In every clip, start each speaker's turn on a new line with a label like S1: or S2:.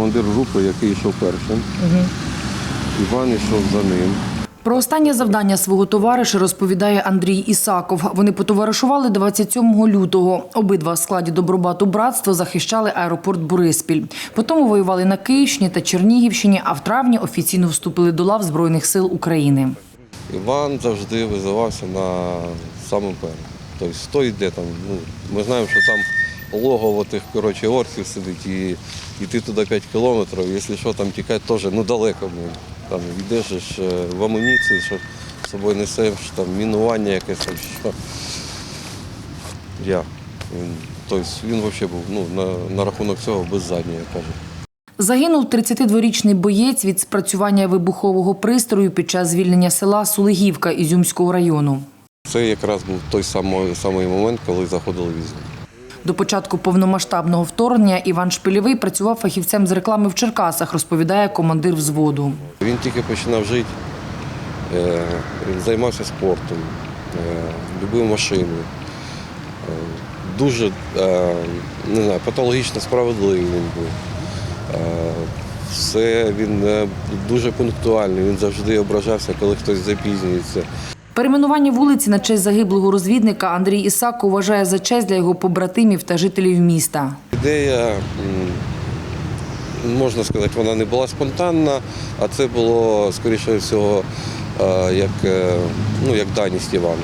S1: командир групи, який йшов першим. Іван йшов за ним.
S2: Про останнє завдання свого товариша розповідає Андрій Ісаков. Вони потоваришували 27 лютого. Обидва в складі Добробату братства захищали аеропорт Бориспіль. Потім воювали на Київщині та Чернігівщині, а в травні офіційно вступили до лав Збройних сил України.
S1: Іван завжди визивався на самому першому. Тобто, хто йде там, ми знаємо, що там логово тих, орків сидить, і йти туди 5 кілометрів, якщо що, там тікати теж далеко. Там йдеш в амуніції, що з собою несеш, там мінування якесь, там, що. Тобто він взагалі був на рахунок цього без задньої, я кажу.
S2: Загинув 32-річний боєць від спрацювання вибухового пристрою під час звільнення села Сулигівка Ізюмського району.
S1: Це якраз був той самий момент, коли заходили в Ізюм.
S2: До початку повномасштабного вторгнення Іван Шпильовий працював фахівцем з реклами в Черкасах, розповідає командир взводу.
S1: Він тільки починав жити, він займався спортом, любив машини. Дуже патологічно справедливий він був. Він дуже пунктуальний, він завжди ображався, коли хтось запізнюється.
S2: Перейменування вулиці на честь загиблого розвідника Андрій Ісаков вважає за честь для його побратимів та жителів міста.
S1: Ідея, можна сказати, вона не була спонтанна, а це було, скоріше всього, як даність Івана.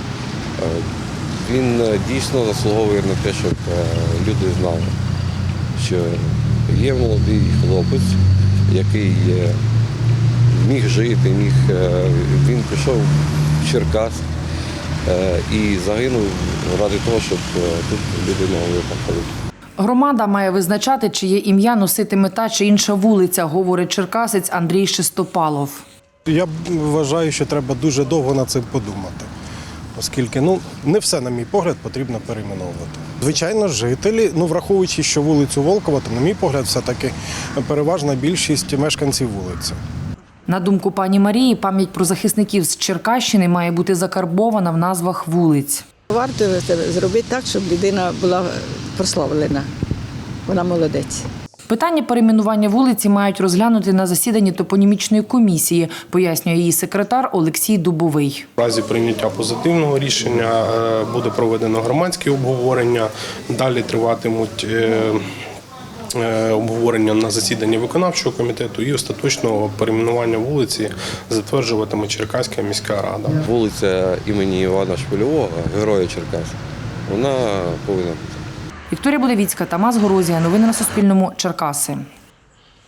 S1: Він дійсно заслуговує на те, щоб люди знали, що є молодий хлопець, який міг жити, він пішов в Черкас і загинув ради того, щоб тут люди могли походити.
S2: Громада має визначати, чиє ім'я носитиме та чи інша вулиця, говорить черкасець Андрій Шестопалов.
S3: Я вважаю, що треба дуже довго над цим подумати, оскільки не все, на мій погляд, потрібно перейменовувати. Звичайно, жителі, враховуючи, що вулицю Волкова, то, на мій погляд, все-таки переважна більшість мешканців вулиці.
S2: На думку пані Марії, пам'ять про захисників з Черкащини має бути закарбована в назвах вулиць.
S4: Варто зробити так, щоб людина була прославлена. Вона молодець.
S2: Питання перейменування вулиці мають розглянути на засіданні топонімічної комісії, пояснює її секретар Олексій Дубовий.
S5: В разі прийняття позитивного рішення буде проведено громадське обговорення, далі триватимуть обговорення на засіданні виконавчого комітету і остаточного перейменування вулиці затверджуватиме Черкаська міська рада.
S1: Вулиця імені Івана Шпильового, героя Черкас, вона повинна бути.
S2: Вікторія Будовіцька, Тамас Горозія. Новини на Суспільному. Черкаси.